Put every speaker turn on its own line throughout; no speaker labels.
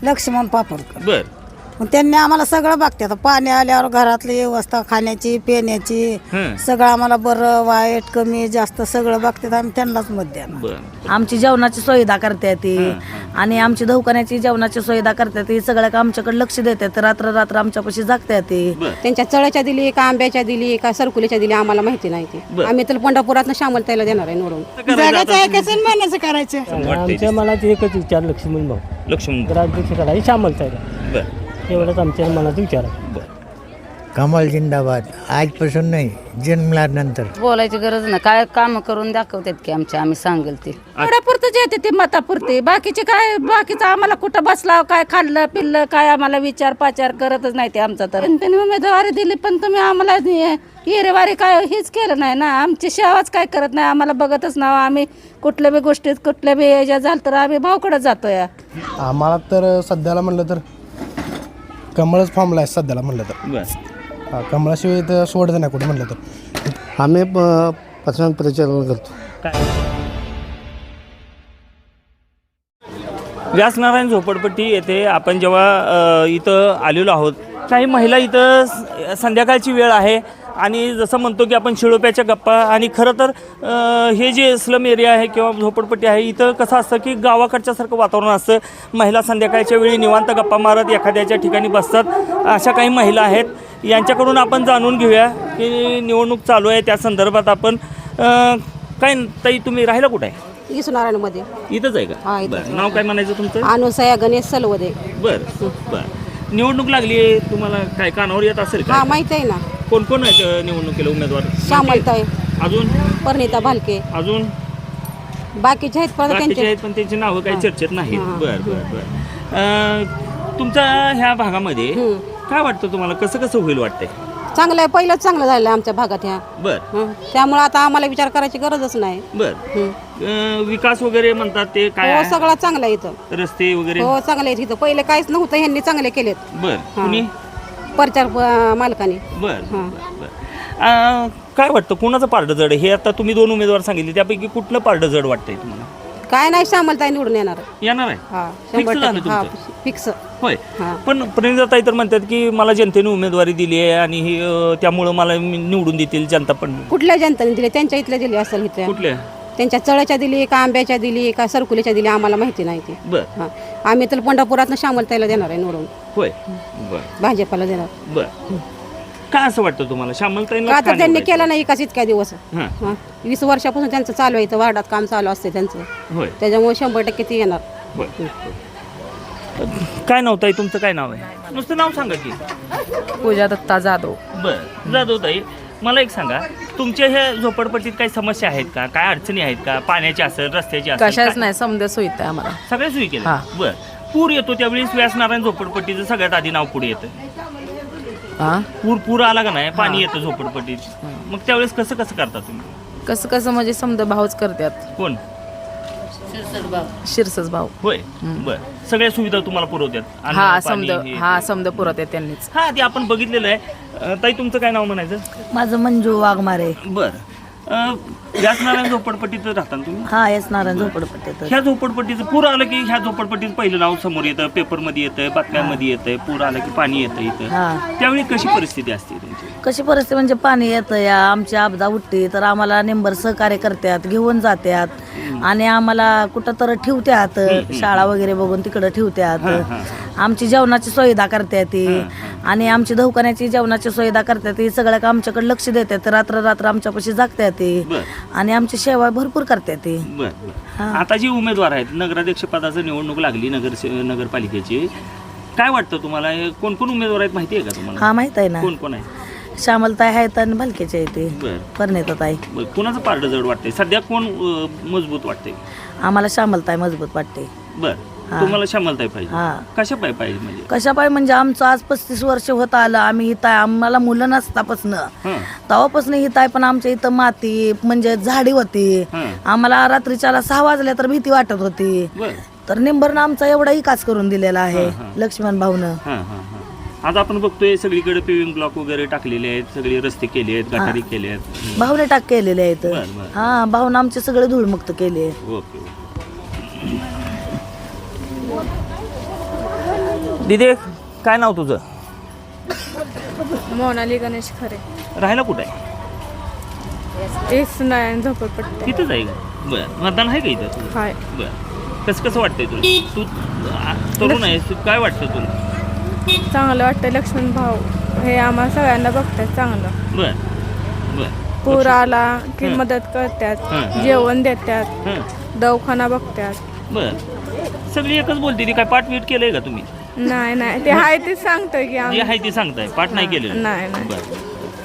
लक्ष्मण पापडकर.
बर
मग त्यांनी आम्हाला सगळं बघतात. पाणी आल्यावर घरातली व्यवस्था, खाण्याची पिण्याची सगळं आम्हाला बरं वाईट कमी जास्त सगळं बघतात. आम्ही त्यांनाच मत द्यायला.
बर
आमची जेवणाची सुविधा करते ती आणि आमची दवाखान्याची जेवणाची सुविधा करते ती सगळ्या का आमच्याकडे लक्ष देतात. रात्र रात्र आमच्यापाशी जागते ती.
त्यांच्या चळ्याच्या दिली का आंब्याच्या दिली का सरकुलीच्या दिली आम्हाला माहिती नाही ती. आम्ही तर पंढरपुरात शामलताईला देणार आहे निवडून.
जगाचं ऐकायचं म्हणायचं करायचं.
आमच्या मनात एकच विचार लक्ष्मण भाऊ
लक्ष्मण
राज्याध्यक्ष करायचे शामलताईला.
बर
एवढंच आमच्या मनात विचार आहे.
बर
कमाल जिंदाबाद. आजपासून नाही, जन्मल्यानंतर.
बोलायची गरज नाही, काय काम करून दाखवतात की आम्ही सांगेल ते.
पुरतं येते ते मतापुरते. बाकीचे काय बाकीचं आम्हाला कुठं बसला काय खाल्लं पिल्लं काय आम्हाला विचार पाचार करतच नाही ते आमचा. तर त्यांनी उमेदवारी दिली पण तुम्ही आम्हाला हिरेवारी काय हेच केलं नाही ना. आमची सेवाच काय करत नाही, आम्हाला बघतच ना. आम्ही कुठल्या बी गोष्टीत कुठल्या बी याच्या झालं तर आम्ही भावकडे जातोय.
आम्हाला तर सध्याला म्हणलं तर कमळच फॉर्मला आहे सध्याला म्हणलं तर.
बर
कमळाशिवाय तर सोडत नाही कुठे म्हणलं तर.
आम्ही पसंत प्रचार करतो.
व्यासनारायण झोपडपट्टी येथे आपण जेव्हा इथं आलेलो आहोत, काही महिला इथं संध्याकाळची वेळ आहे आणि जसं म्हणतो की आपण शिळोप्याच्या गप्पा. आणि खरं तर हे जे स्लम एरिया आहे किंवा झोपडपट्टी आहे इथं कसं असतं की गावाकडच्यासारखं वातावरण असतं. महिला संध्याकाळच्या वेळी निवांत गप्पा मारत एखाद्याच्या ठिकाणी बसतात. अशा काही महिला आहेत, यांच्याकडून आपण जाणून घेऊया की निवडणूक चालू आहे त्या संदर्भात. आपण काय ताई तुम्ही राहिला कुठं आहे?
इसनारायणमध्ये
इथंच आहे का? बरं, नाव काय म्हणायचं तुमचं?
अनुसया गणेश सलवदे.
बरं बरं. निवडणूक लागली आहे, तुम्हाला काय कानावर येत असेल का?
हा माहित आहे ना.
कोण कोण आहेत निवडणुकीला उमेदवार?
श्यामलताई,
अजून
परिणिता भालके,
अजून
बाकीचे आहेत पण
बाकीचे
त्यांचे
आहेत पण त्यांची नावं काही चर्चेत नाहीत. बरं बरं बरं. तुमच्या ह्या भागामध्ये काय वाटतं तुम्हाला, कसं कसं होईल वाटतंय?
चांगलं आहे. पहिलंच चांगलं झालं आमच्या भागात ह्या.
बरं
त्यामुळे आता आम्हाला विचार करायची गरजच नाही.
बरं. विकास वगैरे म्हणतात ते काय
हो
आहे?
सगळं चांगलं आहे इथं.
रस्ते वगैरे?
हो चांगलं आहे इथं. पहिले काहीच नव्हतं, ह्यांनी चांगले केलेत.
बरं. कुणी?
प्रचार मालकाने.
बरं बरं. काय वाटतं कोणाचं पारडं जड आहे? हे आता तुम्ही दोन उमेदवार सांगितले, त्यापैकी कुठलं पारडं जड वाटतंय तुम्हाला?
काय नाही, श्यामलताई निवडून येणार.
येणार आहे?
हा
Fix झालं
100%. हा
तुमचं?
फिक्स.
होय.
हा.
पण प्रणिताताई तर म्हणतात की मला जनतेने उमेदवारी दिली आहे आणि त्यामुळं मला निवडून देतील जनता. पण
कुठल्या जनतेने दिले? त्यांच्या इथल्या दिली असेल इथल्या.
कुठल्या?
त्यांच्या चळ्याच्या दिली का आंब्याच्या दिली का सरकुलीच्या दिली आम्हाला माहिती नाही ती.
बरं.
हा. आम्ही तर पंढरपुरात श्यामलताईला देणार आहे निवडून.
होय. बरं
भाजपाला देणार.
बरं. काय असं वाटतं तुम्हाला श्यामलताईंना
का
का
तर त्यांनी
निवडायचं?
केलं नाही एकाच इतक्या दिवस.
हां.
20 वर्षापासून त्यांचं चालू आहे इथं वार्डात काम चालू असते त्यांचं.
होय.
त्याच्यामुळे 100% ती येणार.
बरं. काय नाव ताई तुमचं? काय नाव आहे? नुसतं नाव सांगा की.
पूजा दत्ता जाधव.
बरं जाधव ताई, मला एक सांगा, तुमच्या ह्या झोपडपट्टीत काही समस्या आहेत का? काय अडचणी आहेत का? पाण्याची असेल, रस्त्याची असेल?
कशाच
काय?
नाही, समजा सोयीत आहे आम्हाला.
सगळ्या सोयी केल्या? बरं. पूर येतो त्यावेळेस व्यासनारायण झोपडपट्टीचं सगळ्यात आधी नाव पुढे येतं. पूर आला का नाही, पाणी येतं झोपडपट्टीत, मग त्यावेळेस कसं कसं करता तुम्ही?
कसं कसं म्हणजे समजा भाऊच करतात.
कोण?
शिरसच भाऊ.
होय. बरं. सगळ्या सुविधा तुम्हाला पुरवतात? अन्न,
हा
पाणी,
समजा,
हे,
हा
ते.
समजा पुरवतात त्यांनीच.
हा ते आपण बघितलेलं आहे. ताई तुमचं काय नाव म्हणायचं?
माझं मंजू वाघमारे.
बरं. व्यासनारायण झोपडपट्टीत राहता ना तुम्ही?
हा येस नारायण झोपडपट्टीत.
ह्या झोपडपट्टीचं पूर आलं की ह्या झोपडपट्टीचं पहिलं नाव समोर येतं, पेपरमध्ये येतं, बातम्यांमध्ये येतं. पूर आलं की पाणी येतं इथं. त्यावेळी कशी परिस्थिती असते तुमची?
कशी परिस्थिती म्हणजे पाणी येतं या आमची आपदा उठते तर आम्हाला नेंबर सहकार्य करतात, घेऊन जातात आणि आम्हाला कुठं तर ठेवतात, शाळा वगैरे बघून तिकडं ठेवतात. आमची जेवणाची सुविधा करतात ती आणि आमची दवाखान्याची जेवणाची सुविधा करतात ती सगळ्या का आमच्याकडे लक्ष देतात. रात्र रात्र आमच्यापाशी जागतात ती आणि आमची सेवा भरपूर करतात ती.
आता जी उमेदवार आहेत, नगराध्यक्ष पदाची निवडणूक लागली नगरपालिकेची, काय वाटतं तुम्हाला? कोण कोण उमेदवार आहेत माहिती आहे का तुम्हाला?
हा माहित आहे ना.
कोण कोण आहे?
श्यामलताई आहेत आणि भालकेचे आहे ते. परिणिताताई.
कोणाचं पारडं जड वाटतंय सध्या? कोण मजबूत वाटतंय?
आम्हाला श्यामलताई मजबूत वाटते.
बरं. तुम्हाला श्यामलताई पाहिजे?
हा.
कशा पाहिजे म्हणजे?
कशा पाहिजे म्हणजे आमचं आज 35 वर्ष होत आलं आम्ही इथं आहे. आम्हाला मुलं नसतापासून तेव्हापासून इथं आहे, पण आमच्या इथं माती म्हणजे झाडी होती. आम्हाला रात्रीच्याला 6 वाजल्या तर भीती वाटत होती. तर निंबरनं आमचा एवढा विकास करून दिलेला आहे लक्ष्मण भाऊनं.
आज आपण बघतोय सगळीकडे पेविंग ब्लॉक वगैरे टाकलेले आहेत, सगळे रस्ते केले आहेत, गटारी केले आहेत.
भाऊने टाक केलेले आहेत. हा भाऊनं आमचे सगळे धूळमुक्त केले.
ओके. दिदे काय नाव तुझं?
मोनाली गणेश खरे.
राहायला कुठे आहे?
तेच नाही झोपडपट्टी.
तिथंच आहे का? बरं, मतदान आहे का इथं तुझं?
हाय.
बरं, कसं वाटतंय तुला? तू तरुण आहेस, तू काय वाटतं तुला?
चांगलं वाटतं. लक्ष्मण भाऊ हे आम्हाला सगळ्यांना बघतात चांगलं.
बरं बरं
पूर आला की
हं.
मदत करतात,
हं.
जेवण देतात,
हं.
दवाखाना बघतात.
बरं, सगळी एकच बोलते ती. काय पाठवीट केलंय का तुम्ही?
नाही नाही ते हाय ते सांगतोय की
जे
आम्ही.
आहे ते सांगताय, पाठ नाही केलेलं?
नाही नाही.
बरं.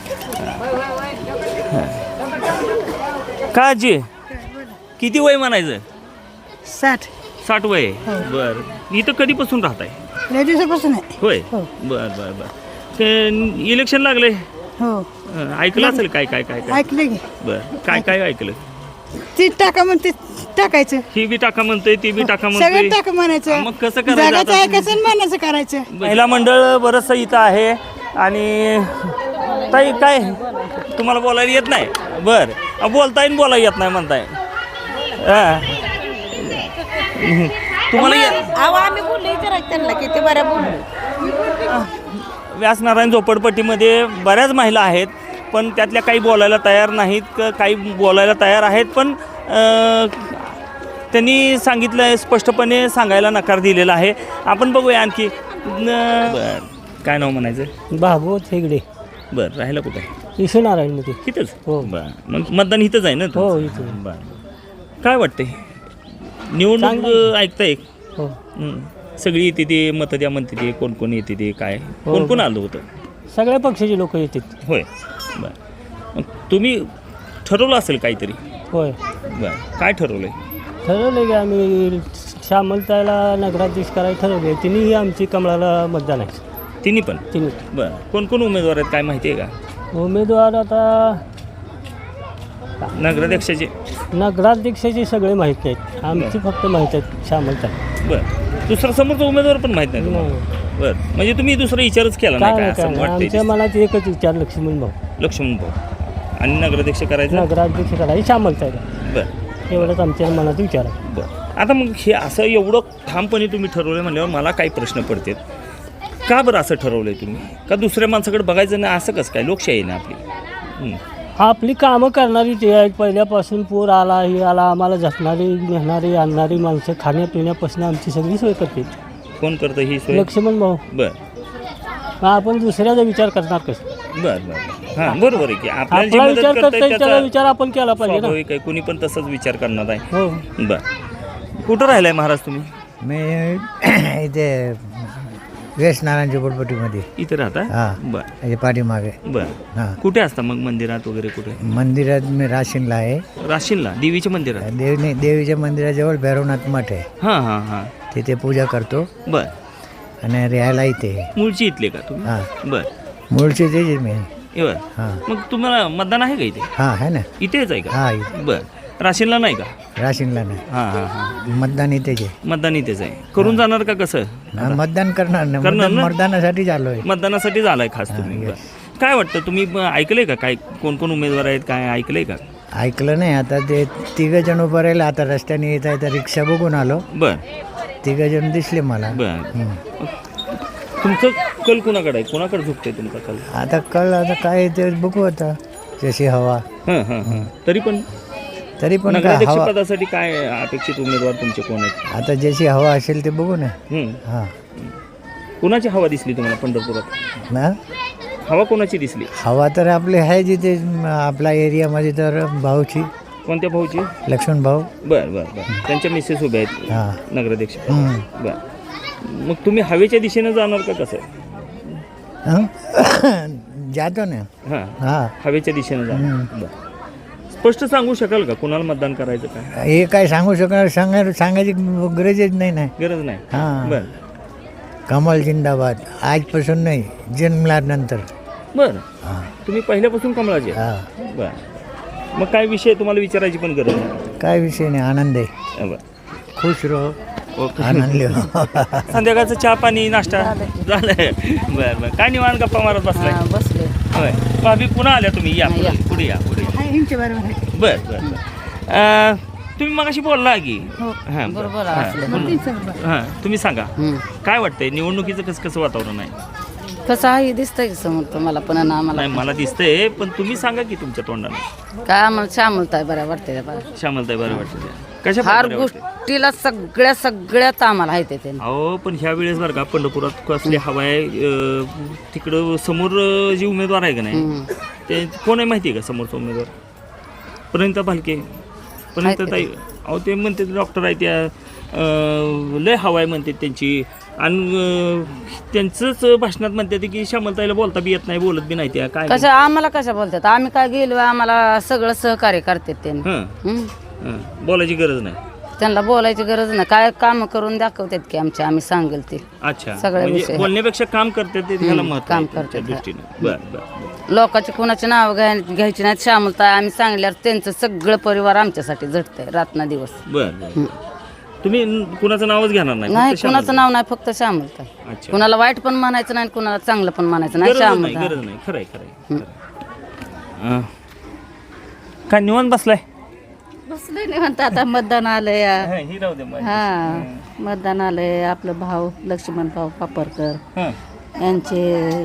का आजी किती वय म्हणायचं?
60
वय आहे. बरं, इथं कधीपासून राहताय?
लय दिवसापासून आहे.
होय. बरं बरं बरं. ते इलेक्शन लागले,
हो
ऐकलं असेल काय काय काय काय?
ऐकलं की
बरं, काय काय ऐकलं?
ती टाका म्हणते टाकायचं.
ही बी टाका म्हणतोय, ती बी टाका
सगळं
म्हणतोय.
टाका म्हणायचं.
मग कसं करायचं
जगाचं
आता?
ऐकायचं आणि म्हणायचं करायचं.
महिला मंडळ बरंचसं इथं आहे. आणि ताई काय तुम्हाला बोलायला येत नाही? बरं, बोलताय बोलायला येत नाही म्हणताय. तुम्हाला
आम्ही बोललो त्यांना किती बऱ्या बोललो.
व्यासनारायण झोपडपट्टीमध्ये बऱ्याच महिला आहेत, पण त्यातल्या काही बोलायला तयार नाहीत, काही बोलायला तयार आहेत, पण त्यांनी सांगितलं आहे, स्पष्टपणे सांगायला नकार दिलेला आहे. आपण बघूया आणखी. बरं, काय नाव म्हणायचं?
भागवत हेगडे.
बरं, राहायला कुठं आहे?
ईश्वरनारायणमध्ये.
इथंच?
हो.
बरं, मग मतदान इथंच आहे ना तुमचं?
हो, इथं.
बरं, काय वाटतंय निवडणूक
चांगलं.
ऐकताय?
हो.
सगळी येते ते मत द्या म्हणते ते, कोण कोण येते ते, काय कोण कोण आलं होतं?
सगळ्या पक्षाचे लोक येतात.
होय. बरं, मग तुम्ही ठरवलं असेल काहीतरी?
होय.
बरं, काय ठरवलंय?
ठरवलं की आम्ही श्यामलताईला नगराध्यक्ष करायला ठरवले. तिन्ही आमची कमळाला मतदान आहे.
तिन्ही पण?
तिन्ही.
बरं, कोण कोण उमेदवार आहेत काय माहिती आहे का?
उमेदवार आता
नगराध्यक्षाचे?
नगराध्यक्षाचे सगळे माहीत नाहीत. आमची फक्त माहीत आहेत श्यामलताई.
बरं, दुसरा समोरचा उमेदवार पण माहीत नाही तुम्हाला? बरं, म्हणजे तुम्ही दुसरा विचारच केला नाही काय असं
आमच्या
वाटतंय?
मनात एकच विचार लक्ष्मण भाऊ.
लक्ष्मण भाऊ. आणि नगराध्यक्ष करायचं?
नगराध्यक्ष करायची श्यामलताईला.
बरं
एवढंच आमच्या मनात विचार आहे.
बरं, आता मग हे असं एवढं ठामपणे तुम्ही ठरवलं म्हणल्यावर मला काही प्रश्न पडतात. का बरं असं ठरवलंय तुम्ही? का दुसऱ्या माणसाकडे बघायचं नाही असं कसं काय? लोकशाही ना आपली.
आपली कामं करणारी ते आहेत. पहिल्यापासून पूर आला हे आला आम्हाला झटणारी नेणारी आणणारी माणसं खाण्यापिण्यापासून आमची सगळी सोय करते.
कोण करतं ही सोय?
लक्ष्मण भाऊ.
बरं
मग आपण दुसऱ्याचा विचार करणार कसं?
बरं बरं, हां बरोबर आहे की आपल्याला जी
आपला
मदत
विचार
करताय
करता त्याचा
त्याचा
विचार आपण केला पाहिजे ना.
स्वाभाविक आहे, कोणी पण तसंच विचार करणार आहे.
हो.
बरं, कुठं राहिलाय महाराज तुम्ही?
मी इथे व्यासनारायण झोपडपट्टीमध्ये
इथे राहता?
हां.
बरं
म्हणजे पाठीमागे.
बरं,
हां.
कुठे असता मग? मंदिरात वगैरे कुठे?
मंदिरात मी राशीनला आहे.
राशीनला देवीच्या मंदिरात?
देवीच्या मंदिराजवळ भैरवनाथ मठ आहे.
हां हां हां.
तिथे पूजा करतो
बरं,
आणि राहायला इथे आहे.
मूळची इथले का तुम्ही?
हां.
बरं,
मूळचे तेच मी.
बरं.
हां.
मग तुम्हाला मतदान आहे का इथे?
हां आहे ना.
इथेच आहे का?
हां इथे.
बरं, राशीनला नाही का?
राशीनला नाही.
हां हां हां.
मतदान इथेच आहे.
मतदान इथेच आहे. करून जाणार का कसं?
हा, मतदान करणार ना.
करणार ना?
मतदानासाठी चालू आहे.
मतदानासाठी झालाय खास तुम्ही? बरं. काय वाटतं तुम्ही ऐकलंय का काय कोण कोण उमेदवार आहेत काय ऐकलंय का?
ऐकलं नाही. आता ते तिघजण उभं राहिले. आता रस्त्याने येत आहे तर रिक्षा बघून आलो.
बरं
तिघजण दिसले मला.
बरं, तुमचं कल कुणाकडे आहे? कोणाकडे झुकतंय तुमचा कल?
आता कळ आता काय ते बघू आता जशी हवा.
हां हां हां. तरी पण
काय
नगराध्यक्ष
हवा
पदासाठी काय अपेक्षित उमेदवार तुमचे कोण आहेत?
आता जशी हवा असेल ते बघू ना. हां.
कोणाची हवा दिसली तुम्हाला पंढरपुरात?
ना
हवा कोणाची दिसली?
हवा तर आपली आहे जिथे आपल्या एरियामध्ये तर भाऊची.
कोणत्या भाऊची?
लक्ष्मण भाऊ.
बरं बरं बरं. त्यांच्या मिसेस उभ्या आहेत
हां.
नगराध्यक्ष. बरं, मग तुम्ही हवेच्या दिशेनं जाणार का कसं?
जातो ना.
हां
हां.
हवेच्या दिशेनं जाणार. बरं, स्पष्ट सांगू शकाल का कुणाला मतदान करायचं काय?
हे काय सांगू शकणार सांगायची गरजच नाही ना.
गरज नाही.
हां.
बरं
कमल जिंदाबाद. आजपासून नाही, जन्मल्यानंतर.
बरं,
हां.
तुम्ही पहिल्यापासून कमळाचे?
हां.
बरं, मग काय विषय तुम्हाला विचारायची पण गरज नाही?
काय विषय नाही, आनंद आहे.
बरं,
खुश रहो,
ओके.
आनंद लिहो.
संध्याकाळचं चहा पाणी नाश्ता झालंय? बरं बरं, काय निवांत गप्पा मारत बसलाय?
बसले.
होय, भाभी पुन्हा आल्या तुम्ही? या पुढे या पुढे या. बरं बरं बरं. तुम्ही मगाशी बोलला की हां
बरोबर
हां,
असलं
हां तुम्ही सांगा काय वाटतंय निवडणुकीचं कसं वातावरण आहे?
कसं आहे दिसतंय की समोर तुम्हाला पण आणि आम्हाला
नाही मला दिसतंय पण तुम्ही सांगा की तुमच्या तोंडाने
काय आम्हाला श्यामलताय बऱ्या वाटते
श्यामलताई बरं वाटतं कशा
फार
प्रकारे वाटतंय?
गोष्टीला सगळ्यात आम्हाला आहे ते
अहो पण ह्या वेळेस बरं का पंढरपुरात कसली हवा आहे तिकडं समोर जे उमेदवार आहे का नाही ते कोण आहे माहिती आहे का समोरचा उमेदवार? प्रणिता भालके ताई अहो ते म्हणते डॉक्टर आहे त्या लय हवा आहे म्हणते त्यांची आणि त्यांचंच भाषणात म्हणते की श्यामलताईला बोलता बी येत नाही बोलत बी नाही त्या काय
कशा आम्हाला कशा बोलतात आम्ही काय गेलो आम्हाला सगळं सहकार्य करतात त्यांनी
हां बोलायची गरज नाही
त्यांना बोलायची गरज नाही काय काम करून दाखवतात की आम्ही सांगेल ते
अच्छा
सगळ्या
म्हणजे
विषय.
बोलण्यापेक्षा काम करते ते ह्याला महत्त्व
काम
आहे तुमच्या
करतात,
दृष्टीने बरं
लोकांची कोणाची नाव घ्यायची नाहीत श्यामलताई आम्ही सांगल्यावर त्यांचं सगळं परिवार आमच्यासाठी झटतंय रात्र दिवस
बरं तुम्ही कुणाचं नावच घेणार नाही
नाही
फक्त
कुणाचं नाव नाही फक्त श्यामलताई
अच्छा
कुणाला वाईट पण म्हणायचं नाही कुणाला चांगलं पण म्हणायचं नाही
गरज नाही
श्यामलताई
गरज नाही खरंय काय निवांत बसलाय
बसले नाही म्हणता आता मतदान आलंय
ही राहू दे मग.
हा मतदान आलंय आपलं भाऊ लक्ष्मण भाऊ पापरकर
हं.
यांचे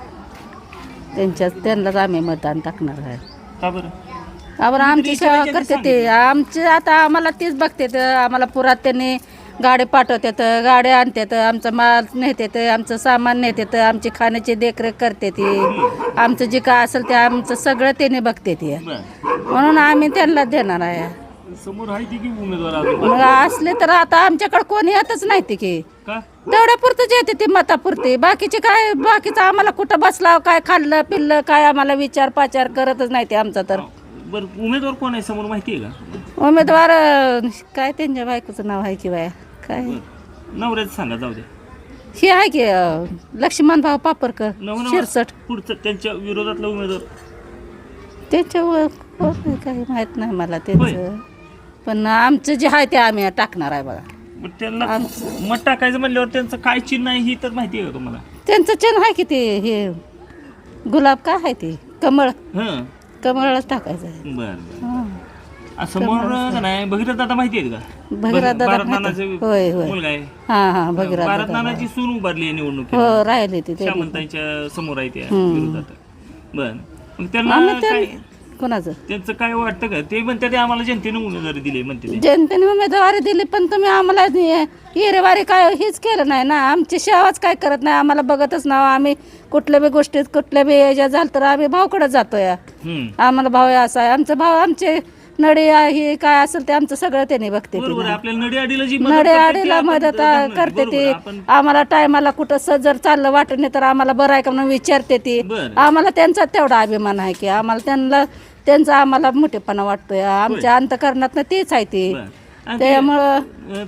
त्यांनाच आम्ही मतदान टाकणार आहे.
का बरं
आम्हाला आमची सेवा करते ते आमचे आता आम्हाला तेच बघतात आम्हाला पुरात त्यांनी गाडी पाठवतात गाड्या आणतात आमचा माल नेतात आमचं सामान नेतात आमची खाण्याची देखरेख करते ती आमचं जे काय असेल ते आमचं सगळं त्यांनी बघते ती म्हणून आम्ही त्यांना देणार आहे.
समोर आहे ती की उमेदवार अजून?
मग असले तर आता आमच्याकडे कोणी येतच नाही ते की
का
तेवढ्यापुरतंच येते ते मतापुरते बाकीचं आम्हाला कुठं बसला काय खाल्लं पिल्लं काय आम्हाला विचार पाचार करतच नाही ते आमचा तर.
बरं उमेदवार कोण आहे समोर माहिती आहे का?
उमेदवार काय त्यांच्या बायकोचं नाव आहे की बाया काय
नवऱ्याचं सांगा जाऊ दे
हे आहे की लक्ष्मण भाऊ पापरकर शिरसट
पुढचं त्यांच्या विरोधातला उमेदवार
त्यांच्यावर काही माहित नाही मला त्यांचं पण आमचं जे आहे ते आम्ही टाकणार आहे बघा.
मग त्यांना मत टाकायचं म्हणल्यावर त्यांचं काय चिन्ह आहे ही तर माहिती आहे का तुम्हाला?
त्यांचं चिन्ह आहे की ते हे गुलाब काय आहे ते कमळ
हं
कमळच टाकायचं आहे.
बरं समोर का नाही भगीरथ दादा माहिती आहे का?
भगीरथ दादा
भारत
माहिती-
नानाचे
होय होय
मुलगा आहे
हा भगीरथ
भारत
दादा.
नानाची सून उभारली आहे निवडणुकीत
हो राहिले ते
श्यामलताईच्या समोर आहे त्या विरोधात. बरं मग त्यांना काय
कोणाचं
त्यांचं काय वाटतं का? ते म्हणते ते आम्हाला जनतेने उमेदवारी दिली म्हणते ते.
जनतेने उमेदवारी दिली पण तुम्ही आम्हाला हिरेवारी काय हेच केलं नाही ना आमची सेवाच काय करत नाही आम्हाला बघतच ना आम्ही कुठल्या बी गोष्टीत कुठल्या बी याच्या झालं तर आम्ही भाऊकडे जातोय आम्हाला भाऊ असा आहे आमचा भाऊ आमचे नडी हे काय असेल ते आमचं सगळं त्यांनी बघते
बरोबर आहे. आपल्याला नडीआडीला जी
नडीआडीला मदत करते ती आम्हाला टायमाला कुठं जर चाललं वाटत नाही तर आम्हाला बरं आहे का म्हणून विचारते ती आम्हाला त्यांचा तेवढा अभिमान आहे की आम्हाला त्यांचा आम्हाला मोठेपणा वाटतोय आमच्या अंतकरणात तेच आहे ते त्यामुळं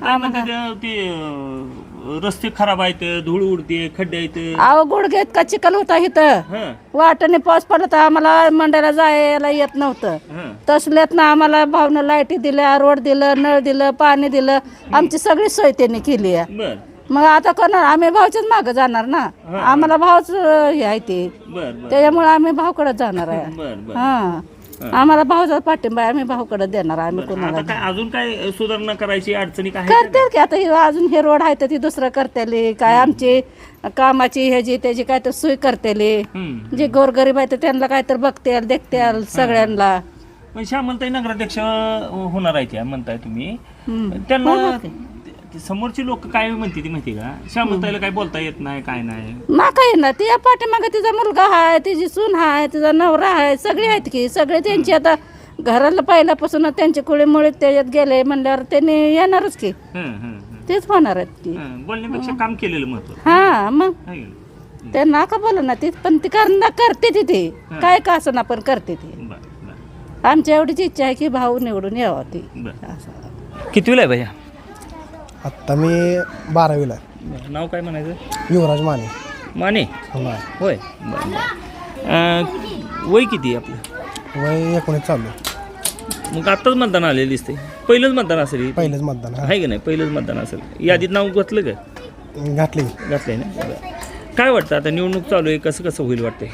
ते रस्ते खराब आहेत धूळ उडते खड्डे आहेत
अहो गुडघेत का चिखल होता इथं वाटाने पाऊस पडला तर आम्हाला मंडळाला जायला येत नव्हतं तसल्यात ना आम्हाला भावनं लाईटी दिल्या रोड दिलं नळ दिलं पाणी दिलं आमची सगळी सोय त्यांनी केली आहे. मग आता करणार आम्ही भाऊच्याच मागं जाणार ना आम्हाला भाऊच हे आहे ते त्याच्यामुळे आम्ही भाऊकडे जाणार आहे. हा आम्हाला भाऊचा पाठिंबा आम्ही भाऊकडे देणार आम्ही कोणाला
काय अजून काय सुधारणा करायची अडचणी काय
करते की आता अजून हे रोड आहे तर ती दुसरं करतेली काय आमची कामाची ह्याची त्याची काय तर सोय करतेली जे गोरगरीब आहे तर त्यांना काय तर बघते देखते सगळ्यांना.
पण श्यामलताई नगराध्यक्ष होणार आहे त्या म्हणताय तुम्ही त्यांना समोरची लोक काय म्हणते ती माहिती का? श्यामलताईला काय बोलता येत नाही काय नाही
ना काही ना ती पाठीमागे तिचा मुलगा आहे तिची सून आहे तिचा नवरा आहे सगळे आहेत की सगळे त्यांची आता घराला पहिल्यापासून त्यांचे कुळीमुळे त्याच्यात गेले म्हणल्यावर त्यांनी येणारच की तेच होणार आहेत की
बोलण्यापेक्षा काम केलेलं महत्व.
हा मग ते नाका बोला ना ती पण ती करते ती काय का असं ना पण करते ती आमच्या एवढीच इच्छा आहे की भाऊ निवडून यावा ती.
कितवीला आहे भैया?
आत्ता मी 12वीला आहे.
नाव काय म्हणायचं?
युवराज माने.
माने होय वय किती आपलं?
वय 19 चालू आहे.
मग आत्ताच मतदान आलेलं दिसते पहिलंच मतदान असेल
पहिलेच मतदान
आहे की नाही पहिलंच मतदान असेल यादीत नाव घातलं का? घातलंय ना. काय वाटतं आता निवडणूक चालू आहे कसं होईल वाटतंय?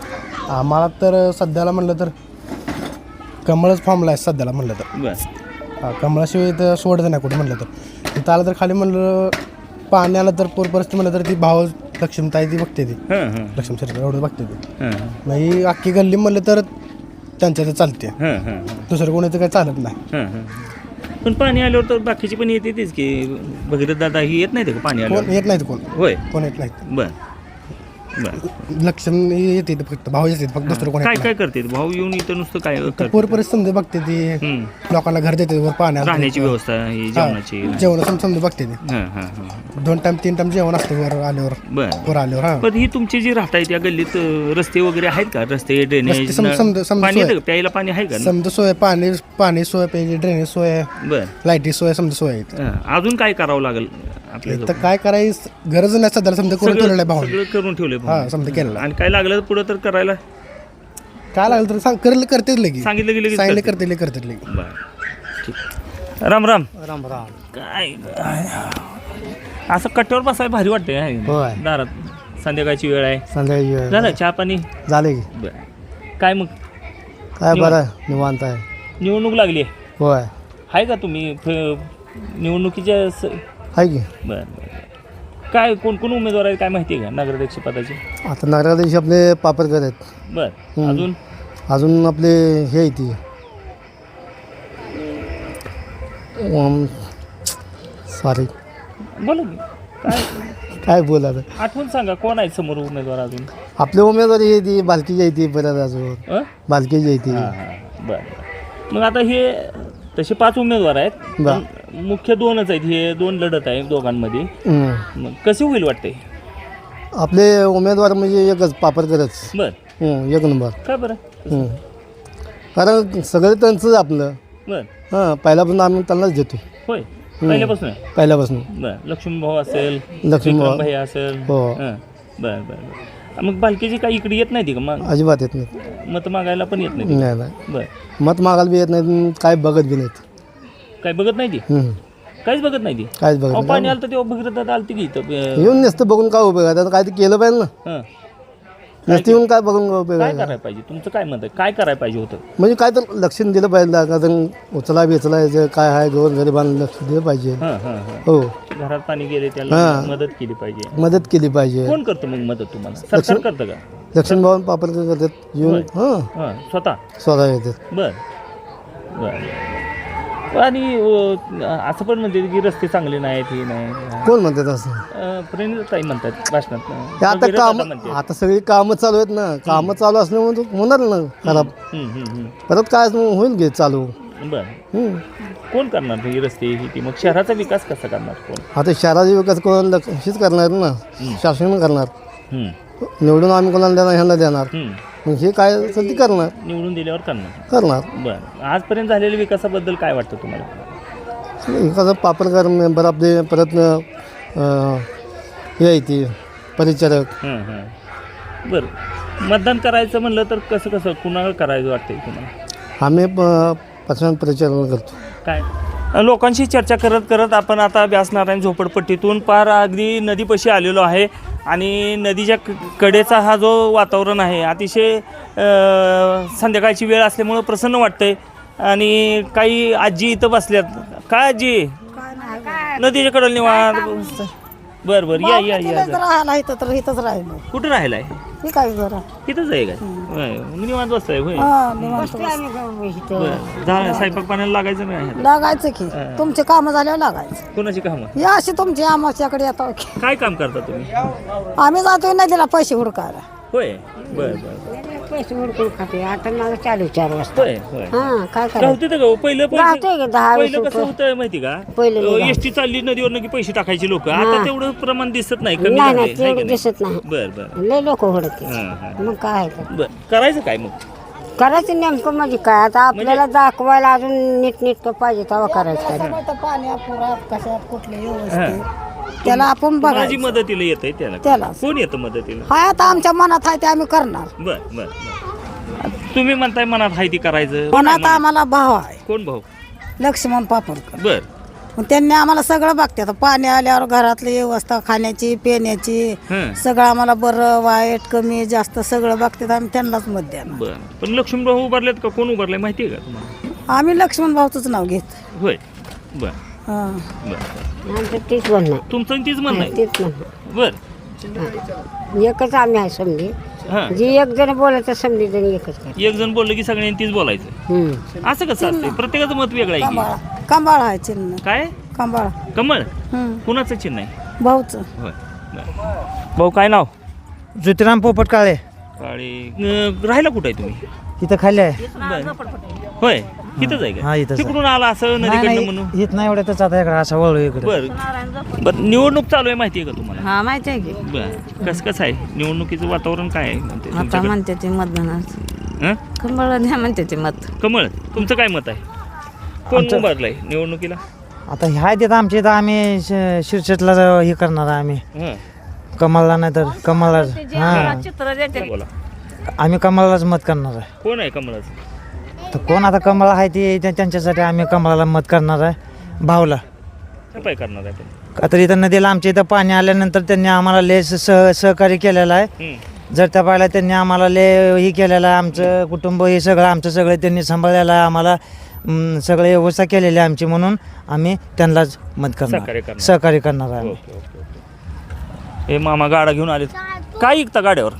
आम्हाला तर सध्याला म्हणलं तर कमळच फॉर्मला आहे सध्याला म्हणलं तर.
बस
कमळाशिवाय तर सोडतं नाही कुठे म्हणलं तर तिथं आलं तर खाली म्हणलं पाणी आलं तर पूर परिस्थिती म्हणलं तर ती भाव लक्ष्मीताई ती बघते ती लक्ष्मी सरकार एवढं बघते ती नाही अख्खी गल्ली म्हणलं तर त्यांच्या तर चालते दुसरं कोणी तर काही चालत नाही.
पण पाणी आल्यावर तर बाकीची पण येते तीच की भगीरथ दादा ही येत नाही का पाणी
कोण
आल्यावर?
येत नाहीत कोण
होय
कोण येत नाहीत
बर बर
लक्ष्मी येते फक्त भाव येते फक्त दुसरं कोण
काय
येत
काय करते भाऊ येऊन इथं नुसतं काय
नाही.
करते?
पूर परिस्थिती समजा बघते ती लोकांना घर देते वर पाणी आलं
राहण्याची
तर.
व्यवस्था ही जेवणाची
जेवण समजा बघते ती
हां हां हां
2 टाइम 3 टाइम जेवण असते वर आल्यावर
बर
वर आल्यावर हा
पण ही तुमची जी राहताय त्या गल्लीत रस्ते वगैरे आहेत का रस्ते ड्रेनेज
रस्ते समजा
पाणी
सोय.
येतं का? प्यायला पाणी आहे का
समजा सोय पाणी सोय पाहिजे ड्रेनेज सोय
बर
लाईटी सोय समजा सोय आहेत.
अजून काय करावं लागेल आपल्याला
तर काय करायचं गरज नाही सध्या समजा करून ठेवलेलं आहे भाऊ
सगळं करून ठेवलंय
हा
भाऊ.
समजा केलेलं
आणि काय लागलं पुढं तर करायला
काय लागलं तर सांग करतेच लगी
सांगितलं गेलं की
सांगितलं
करते.
करते लगी
बर ठीक राम राम
राम राम
काय असं कट्ट्यावर बसायला भारी वाटतंय
होय.
दारात संध्याकाळची वेळ आहे
संध्याकाळी वेळ
झालं चहा पाणी
झाले की
बर काय मग
काय
निवांत.
बरं निवांत आहे
निवडणूक लागली आहे
होय
आहे का तुम्ही निवडणुकीच्या
आहे की
बर बर काय कोण कोण उमेदवार आहेत काय माहिती आहे का नगराध्यक्ष पदाचे
आता नगराध्यक्ष आपले पापरकर आहेत
बर अजून
अजून आपले हे आहे ती सॉरी
बोला की. काय
काय बोला
आठवण सांगा कोण आहे समोर उमेदवार अजून
आपले उमेदवारी आहे ती बालकीची आहे ती परत अजून
अं?
बालकीची आहे ती
हां हां बरं मग आता हे तसे 5 उमेदवार आहेत
बरं.
पण मुख्य 2च आहेत हे 2 लढत आहे दोघांमध्ये
हम्म.
मग कसे होईल वाटते
आपले उमेदवार म्हणजे एकच पापरकरच
बर
एक नंबर
काय बरं
कारण सगळं त्यांचंच आपलं
बर
हां पहिल्यापासून आम्ही त्यांनाच देतो
होय पहिल्यापासून आहे
पहिल्यापासून
बर लक्ष्मी भाऊ असेल
लक्ष्मी भाऊ.
भाई असेल
हो.
हां बर बर बर मग बालकीची काही इकडे येत नाही का मग
अजिबात येत नाही
मत मागायला पण येत नाही
नाही नाही
बर
मत मागायला बी येत नाही काय बघत बी नाहीत
काय बघत नाही ती काहीच बघत नाही ती
काहीच बघत
अहो,
नाही
पाणी आलं तर तेव्हा भगीरथ आलती की इथं
येऊन नसतं बघून काय उपयोग आहे आता काय ते केलं पाहिजे ना
हां
नसतं येऊन काय बघून काय उपयोग
काय
आहे
करायला पाहिजे तुमचं काय मत आहे काय करायला पाहिजे होतं
म्हणजे काय तर लक्ष दिलं पाहिजे का उचला बेचलायचं काय आहे गोर गरिबांना लक्ष दिलं पाहिजे
हां हां हां
हो
घरात पाणी गेले त्याला
हां.
मदत केली पाहिजे
मदत केली पाहिजे
कोण करतं मग मदत तुम्हाला सरकार करतं का
लक्ष्मीभाऊ पापरकर करतात येऊन हां
हां स्वतः
स्वतः येतात
बर बर आणि असं पण म्हणते की रस्ते चांगले नाहीत हे नाही
कोण म्हणतात असं
प्रेरणताई म्हणतात भाषणात
हे आता
वगैरे
काम
दादा म्हणते.
आता सगळी कामं चालू आहेत ना कामं चालू असल्यामुळे तो होणार ना खराब
हम्म.
परत काय होईल घे चालू
बर
हम्म.
कोण करणार ही रस्ते ही ती मग शहराचा विकास कसा करणार कोण
आता शहराचा विकास कोणाला हेच करणार ना शासन करणार
हम्म.
निवडून आम्ही कोणाला देणार ह्यांना देणार
हम्म.
मग हे काय असेल ते करणार
निवडून दिल्यावर करणार बर आजपर्यंत झालेल्या विकासाबद्दल काय वाटतं तुम्हाला
विकास पापरकर मेंबर आपले परत हे आहे ते परिचारक
बर मतदान करायचं म्हणलं तर कसं कसं कुणाला करायचं वाटतंय तुम्हाला
आम्ही परिचारण करतो
काय लोकांशी चर्चा करत करत आपण आता व्यासनारायण झोपडपट्टीतून पार अगदी नदीपाशी आलेलो आहे आणि नदीच्या कडेचा हा जो वातावरण आहे अतिशय संध्याकाळची वेळ असल्यामुळं प्रसन्न वाटतंय आणि काही आजी इथं बसल्यात काय आजी नदीच्या कडेला निवांत बरं बरं या या या
तिथंच राहायला इथं तर इथंच राहिलो
कुठं राहिलाय
मी काय जरा
इथंच आहे काय होय मी निवांत बसताय होय
हा निवांत
बरं झालं स्वयंपाक पाण्याला लागायचं नाही
लागायचं की तुमचे कामं झाल्यावर लागायचं
कोणाची कामं
या अशी तुमची आमच्याकडे येतो की
काय काम करता तुम्ही
आम्ही जातोय नदीला पैसे हुडकायला
होय बरं बरं
पैसे हुडकून खाते आता माझं चालू 4 वाजता
होय होय
हा काय करायचं
गावते तर गाव पहिलं
गावते की 10-20
पहिलं कसं
रुपये.
होतं माहिती का
पहिलं नाही गाव.
एसटी चालली नदीवर की पैसे टाकायचे लोक आता तेवढं प्रमाण दिसत नाही कमी
नाही
झालंय,
नाही
है
तेवढं
की नाही?
दिसत नाही
बर बर
लय लोक हुडकते
हां हां
मग काय आहे ते?
बर करायचं काय मग
करायचं नेमकं म्हणजे काय आता आपल्याला दाखवायला अजून नीट पाहिजे तेव्हा करायचं काय
पाण्या पुरात कशात कुठले व्यवस्थित त्याला आपण
माझी
बघायचं
मदतीला येत आहे त्याला
त्याला.
कोण येतं मदतीला
हाय आता आमच्या मनात आहे ते आम्ही करणार
बर बर बर तुम्ही म्हणताय मनात हाय ती करायचं
मनात आम्हाला भाव आहे
कोण भाऊ
लक्ष्मण पापडकर
बर
मग त्यांनी आम्हाला सगळं बघतात पाणी आल्यावर घरातली व्यवस्था खाण्याची पिण्याची सगळं आम्हाला बरं वाईट कमी जास्त सगळं बघतात आम्ही त्यांनाच मत द्या
बर पण लक्ष्मीभाऊ उभारलेत का कोण उभारलाय माहिती आहे का तुम्हाला
आम्ही लक्ष्मण भाऊचंच नाव घेत.
होय बर
हां.
बर
आमचं तीच म्हणणं आहे.
तुमचं तीच म्हणणं आहे
तीच म्हणणं
बर
आहे. एकच आम्ही आहे समजी.
हां
जी एक जण बोलायचं समजी जण एकच कर.
एक जण बोललं की सगळ्यांनी तीच बोलायचं असं कसं असते प्रत्येकाचं मत वेगळं आहे
कंबाळा कंबाळा आहे चिन्ह.
की काय
कंबाळा.
कमळ कुणाचं चिन्ह आहे
भाऊचं.
होय बर भाऊ काय नाव
ज्योतिराम पोपट काळे
काळे राहायला कुठे आहे तुम्ही
इथं खाली आहे.
होय इथंच आहे
हा,
का
इथंच आहे.
तिकडून आला असं नदीकडनं म्हणून
येत नाही एवढ्यातच आता इकडे असा वळू इकडे.
बर निवडणूक चालू आहे माहिती आहे का तुम्हाला
हा माहिती आहे की
बर कसं आहे निवडणुकीचं वातावरण काय आहे म्हणते
आता
तुमच्याकडे?
म्हणते ते मतदानात
हं?
कंबळ द्या म्हणते ते मत.
कमळ तुमचं काय मत आहे कोण उभारलंय निवडणुकीला
आता ह्या देत आमच्या इथं आम्ही शिरसेटला हे करणार आहे आम्ही.
हं.
कमलला नाही तर कमलला. हां
चित्र देते.
बोला
आम्ही कमललाच मत करणार आहे.
कोण आहे कमळाचं
तर कोण आता कमळ आहे ते त्यांच्यासाठी आम्ही कमळाला मत करणार आहे. भावला
काय करणार आहे आपण
का तर इथं नदीला आमच्या इथं पाणी आल्यानंतर त्यांनी आम्हाला लय सहकार्य केलेलं आहे.
हं.
जर त्या पाहिला त्यांनी आम्हाला लय हे केलेलं आहे. आमचं कुटुंब हे सगळं आमचं सगळं त्यांनी सांभाळलेलं आहे. आम्हाला सगळे व्यवस्था केलेली आहे आमची म्हणून आम्ही त्यांनाच मत
सहकार्य
करणार
करणार.
सहकार्य करणार आहे.
ओके ओके ओके हे मामा गाडा घेऊन आले काय ऐकता गाड्यावर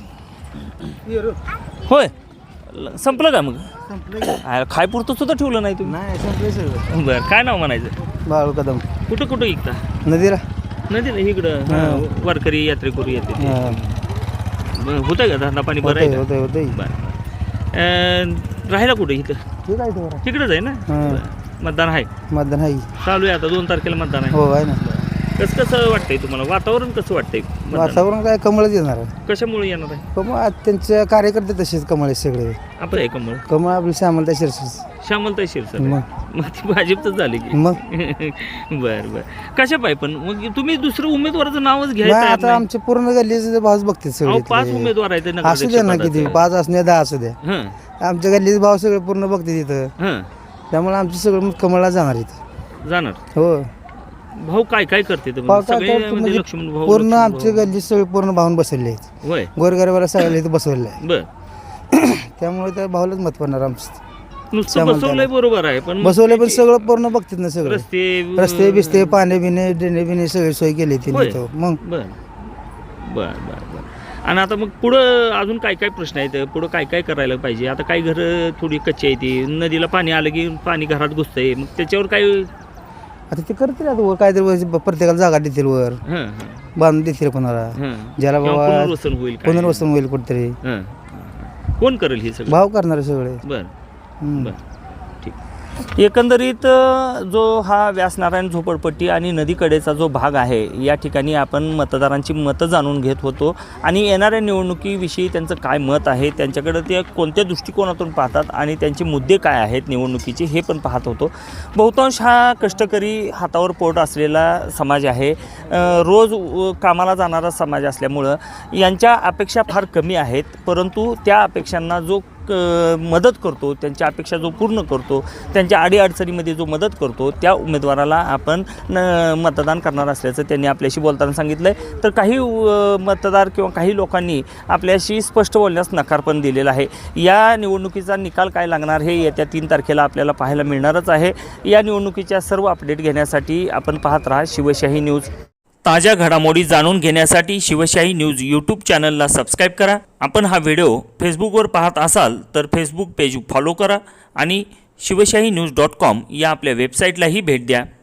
होय संपलं का मग खाय पुरतं सुद्धा ठेवलं नाही तुम्ही
नाही संपले सगळं.
बरं काय नाव म्हणायचं
बाळू कदम
कुठं कुठं ऐकता
नदीला.
नदीला इकडं वारकरी यात्रेकरू येते ते. बरं, होतंय का धंदा पाणी बरं आहे का?
होते होते.
बरं राहायला कुठं इथं
ठीक आहे तेवढा.
तिकडंच आहे ना बरं. मतदान आहे
मतदान आहे.
चालू आहे आता 2 तारखेला मतदान आहे
हो आहे ना.
कसं वाटतंय तुम्हाला वातावरण कसं वाटतंय मतदान?
वातावरण काय कमळच येणार आहे.
कशामुळे येणार आहे
कमळ त्यांचे कार्यकर्ते तसेच कमळ आहेत सगळे.
आपलं आहे कमळ
कमळ आपली श्यामलता शिरसेट.
श्यामलताई शिरसाट
मग
मग ती भाजपच झाली की
मग
बर बर कशा पाय पण मग तुम्ही दुसरं उमेदवाराचं नावच
नाही,
घ्यायचं
आता आमचे पूर्ण गल्लीचे भाऊच बघतील सगळे.
5 उमेदवार आहेत ते
असू द्या ना किती 5 असू द्या 10 असू द्या.
हं,
आमच्या गल्लीचे भाव सगळे पूर्ण बघतील तिथं.
हं,
त्यामुळे आमचं सगळं मत कमळला जाणार इथं.
जाणार
हो
भाऊ काय काय करते ते?
भाऊ काय
सगळे
करतो
म्हणजे
म्हणजे
लक्ष्मण भाऊ
पूर्ण
लक्ष्मण
आमच्या गल्ली सगळे पूर्ण भाऊन बसवले आहेत.
भाऊ. होय
गोरगरिबाला सगळ्याला इथं बसवले आहे.
बर
त्यामुळे त्या भाऊलाच मत पडणार आमचं.
नुसतं
श्यामलताई.
बसवलंय बरोबर आहे पण
बसवले पण सगळं पूर्ण बघतात ना सगळं.
रस्ते
रस्ते बिस्ते पाणी बिणे ड्रेने बिणे सगळी सोय केली
होय.
तिने इथं. मग
बर बर बर बर आणि आता मग पुढं अजून काय काय प्रश्न आहेत पुढं काय काय करायला पाहिजे आता काही घरं थोडी कच्ची आहे ती नदीला पाणी आलं की पाणी घरात घुसतंय मग त्याच्यावर काय
आता ते करतील आता वर काहीतरी प्रत्येकाला जागा देतील वर
हं, हं,
बांधून देतील कोणाला
हं.
ज्याला
किंवा
बाबा
पुनर्वसन होईल काय?
पुनर्वसन होईल कुठेतरी.
हं. कोण करेल हे सगळं
भाव करणारे सगळे.
बर
हम्म.
बर ठीक एकंदरीत जो हा व्यासनारायण झोपडपट्टी आणि नदीकडेचा जो भाग आहे या ठिकाणी आपण मतदारांची मतं जाणून घेत होतो आणि येणाऱ्या निवडणुकीविषयी त्यांचं काय मत आहे त्यांच्याकडे ते कोणत्या दृष्टिकोनातून पाहतात आणि त्यांचे मुद्दे काय आहेत निवडणुकीचे हे पण पाहत होतो. बहुतांश हा कष्टकरी हातावर पोट असलेला समाज आहे. रोज कामाला जाणारा समाज असल्यामुळं यांच्या अपेक्षा फार कमी आहेत परंतु त्या अपेक्षांना जो मदत करतो त्यांच्या अपेक्षा जो पूर्ण करतो त्यांच्या अडीअडचणीमध्ये जो मदत करतो त्या उमेदवाराला आपण मतदान करणार असल्याचं त्यांनी आपल्याशी बोलताना सांगितलं आहे. तर काही मतदार किंवा काही लोकांनी आपल्याशी स्पष्ट बोलण्यास नकार पण दिलेला आहे. या निवडणुकीचा निकाल काय लागणार हे येत्या 3 तारखेला आपल्याला पाहायला मिळणारच आहे. या निवडणुकीच्या सर्व अपडेट घेण्यासाठी आपण पाहत राहा शिवशाही न्यूज. ताज्या घडामोडी जाणून घेण्यासाठी शिवशाही न्यूज यूट्यूब चॅनलला सबस्क्राईब करा. आपण हा व्हिडिओ फेसबुकवर पाहत असाल तर फेसबुक पेज फॉलो करा आणि शिवशाही न्यूज.com या आपल्या वेबसाईटलाही भेट द्या.